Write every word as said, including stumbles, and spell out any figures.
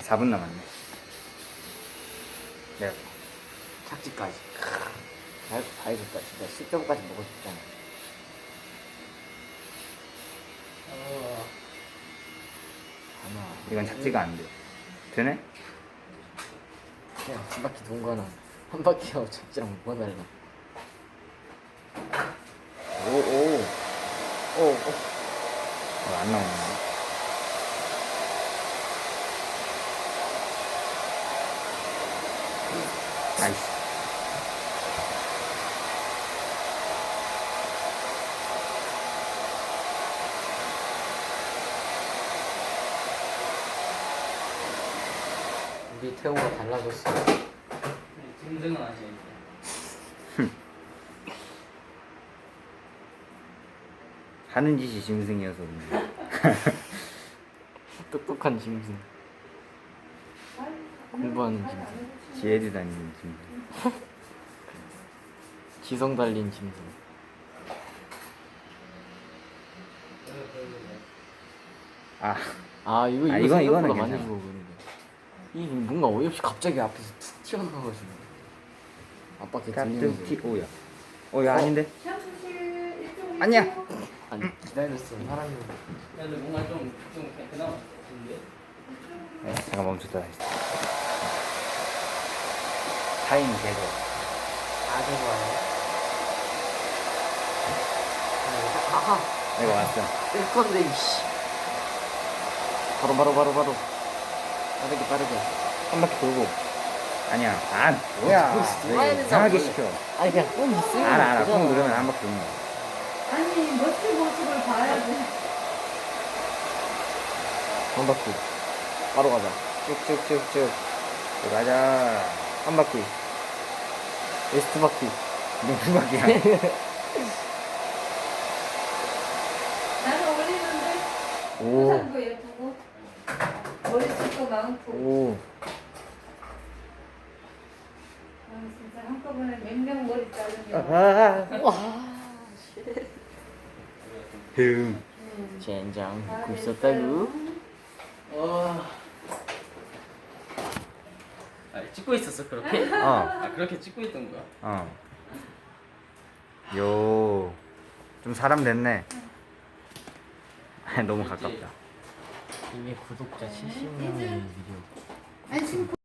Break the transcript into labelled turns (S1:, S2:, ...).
S1: 사 분 남았네. 내가
S2: 착지까지. 다, 다 해줬다. 진짜 십 점까지 먹고 싶잖아. 하나.
S1: 이건 착지가 안 돼. 되네?
S2: 그냥 한 바퀴 돈 거는 한 바퀴하고 착지랑 뭐가 달라. 오, 오. 오, 오.
S1: 어, 안 나오네. 나이스.
S2: 우리 태호가 달라졌어.
S3: 짐승은 아니야.
S1: 하는 짓이 짐승이어서 그런지.
S2: 똑똑한 짐승. 공부하는 짐승.
S1: 지혜도 다니는 짐승.
S2: 지성 달린 짐승.
S1: 아,
S2: 아 이거 이거
S1: 아, 이건- 이거는
S2: 생각보다 많이
S1: 괜찮아.
S2: 주고 그러는데. 이 뭔가 어이없이 갑자기 앞에서 툭 튀어나와가지고 아빠께 들리는
S1: 깍두기 오야. 어, 야,
S2: 어?
S1: 아닌데?
S4: 샴푸실 이쪽으로
S1: 아니야.
S4: 오세요.
S2: 아니 기다렸어 사람이.
S3: 야, 근데 뭔가 좀, 좀 그나마 같은데?
S1: 네, 잠깐 멈췄다 다시. 타임 계속.
S2: 아주 좋아요. 아하
S1: 내가 왔어.
S2: 뜰 건데 이씨. 바로 바로 바로 바로 빠르게 빠르게.
S1: 한 바퀴 돌고. 아니야. 아, 뭐야.
S2: 거기서
S1: 왜
S2: 돌아야
S1: 이렇게
S2: 되잖아,
S1: 이상하게
S2: 원래.
S1: 시켜.
S2: 아니 그냥 꼭 있으면
S1: 알아, 알아.
S2: 되잖아.
S1: 콩 누르면 한 바퀴 도는 거야.
S4: 아니 멋진 모습을 봐야지.
S2: 한 바퀴 바로 가자.
S1: 쭉쭉쭉쭉. 쭉 가자.
S2: 한 바퀴 웨스트 바퀴.
S1: 너 두 바퀴야.
S4: 나는 어울리는데
S2: 오.
S4: 의상도 예쁘고 머리숱도 많고.
S2: 오.
S4: 아, 진짜 한꺼번에 몇 명 머리 자르면
S1: 아,
S2: 와.
S1: 흠.
S2: 젠장
S4: 다
S2: 듣고
S4: 됐어요.
S2: 있었다구.
S3: 와. 아, 찍고 있었어, 그렇게?
S1: 어,
S3: 아, 그렇게 찍고 있던 거야?
S1: 어. 요. 좀 사람 됐네. 너무 가깝다.
S2: 이미 구독자 칠십 명의 비디오.
S4: 아니 지금